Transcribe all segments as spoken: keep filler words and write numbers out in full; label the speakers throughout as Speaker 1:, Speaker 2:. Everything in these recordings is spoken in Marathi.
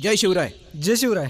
Speaker 1: जय शिवराय.
Speaker 2: जय शिवराय.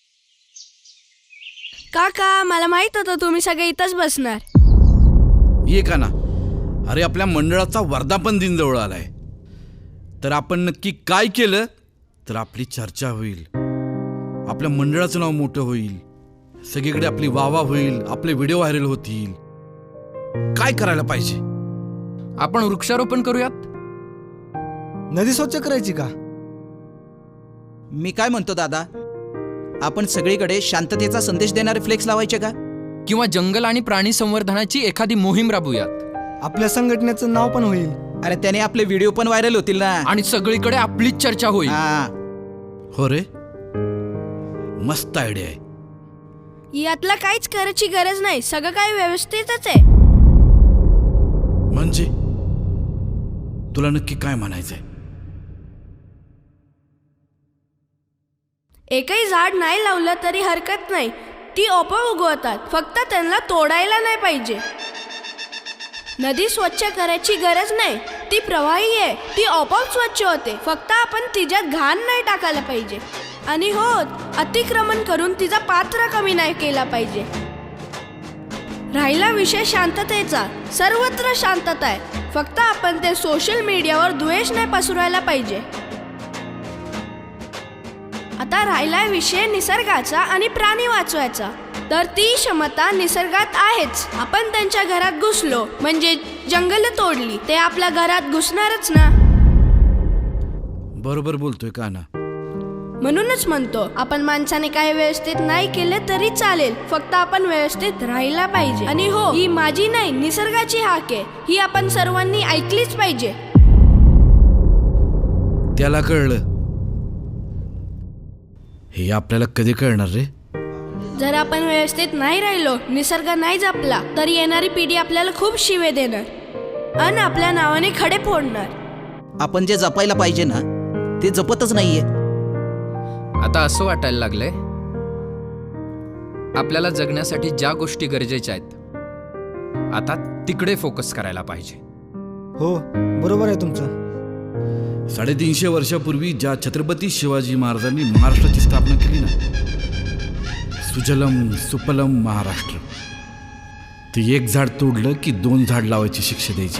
Speaker 3: काका मला माहित होतं तुम्ही सगळे इथंच बसणार.
Speaker 1: ये का ना. अरे आपल्या मंडळाचा वर्धापन दिन जवळ आलाय, तर आपण नक्की काय केलं तर आपली चर्चा होईल, आपल्या मंडळाचं नाव मोठं होईल, सगळीकडे आपली वाहवा होईल, आपले व्हिडिओ व्हायरल होतील. काय करायला पाहिजे?
Speaker 4: आपण वृक्षारोपण करूयात.
Speaker 2: नदी स्वच्छ करायची का?
Speaker 5: मी काय म्हणतो दादा, आपण सगळीकडे शांततेचा संदेश देणारे फ्लेक्स लावायचे का?
Speaker 4: किंवा जंगल आणि प्राणी संवर्धनाची एखादी मोहीम राबवूयात.
Speaker 2: आपल्या संघटनेचं नाव पण होईल.
Speaker 5: अरे त्याने आपले व्हिडिओ पण व्हायरल होतील ना.
Speaker 4: आणि सगळीकडे आपलीच चर्चा होईल.
Speaker 5: हा.
Speaker 1: हो रे, मस्त आयडिया आहे.
Speaker 3: यातला काहीच करायची गरज नाही, सगळं काही व्यवस्थितच आहे.
Speaker 1: म्हणजे तुला नक्की काय म्हणायचंय?
Speaker 3: एकही झाड नाही लावलं तरी हरकत नाही, ती आपोआप उगवतात, फक्त त्यांना तोडायला नाही पाहिजे. नदी स्वच्छ करायची गरज नाही, ती प्रवाही आहे, ती आपोआप स्वच्छ होते, फक्त आपण तिच्यात घाण नाही टाकायला पाहिजे. आणि हो, अतिक्रमण करून तिचा पात्र कमी नाही केला पाहिजे. राहिला विषय शांततेचा, सर्वत्र शांतता आहे, फक्त आपण ते सोशल मीडियावर द्वेष नाही पसरवायला पाहिजे. आता राहिला विषय निसर्गाचा आणि प्राणी वाचवायचा, तर ती क्षमता निसर्गात आहेच. आपण त्यांच्या घरात घुसलो म्हणजे जंगल तोडली, ते आपल्या घरात घुसणारच ना.
Speaker 1: बरोबर बोलतोय का ना.
Speaker 3: म्हणूनच म्हणतो, आपण माणसाने काही व्यवस्थित नाही केले तरी चालेल, फक्त आपण व्यवस्थित राहायला पाहिजे. आणि हो, ही माझी नाही निसर्गाची हाक आहे, ही आपण सर्वांनी ऐकलीच पाहिजे.
Speaker 1: त्याला कळलं, हे आपल्याला कधी कळणार रे?
Speaker 3: जर आपण व्यवस्थित नाही राहिलो, निसर्ग नाही जपला, तर येणारी पिढी आपल्याला खूप शिवे देणार आणि आपल्या नावाने खडे फोडणार.
Speaker 5: आपण जे जपायला पाहिजे ना, ते जपतच नाहीये.
Speaker 4: आता असं वाटायला लागलंय, आपल्याला जगण्यासाठी ज्या गोष्टी गरजेच्या आहेत, आता तिकडे फोकस करायला पाहिजे.
Speaker 2: हो, बरोबर आहे तुमचं.
Speaker 1: साडेतीनशे वर्षापूर्वी ज्या छत्रपती शिवाजी महाराजांनी महाराष्ट्राची स्थापना केली ना, सुजलम सुपलम महाराष्ट्र, ते एक झाड तोडलं की दोन झाड लावायची शिक्षा द्यायची.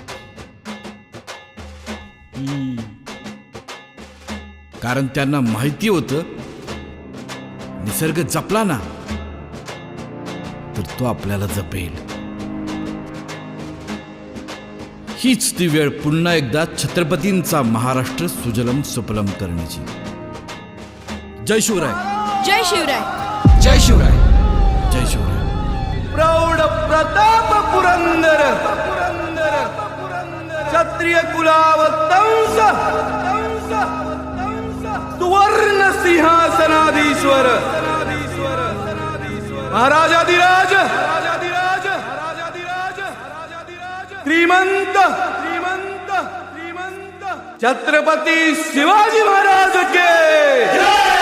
Speaker 1: कारण त्यांना माहिती होतं, निसर्ग जपला ना तर तो आपल्याला जपेल. हीच ती वेळ पुन्हा एकदा छत्रपतींचा महाराष्ट्र सुजलम सुफलम करण्याची. जय शिवराय.
Speaker 3: जय शिवराय.
Speaker 4: जय शिवराय.
Speaker 1: जय शिवराय.
Speaker 6: प्रौढ प्रताप पुरंदर क्षत्रिय कुलावतंस सुवर्ण सिंहासनाधीश्वर महाराजाधिराज श्रीमंत श्रीमंत श्रीमंत छत्रपती शिवाजी महाराज के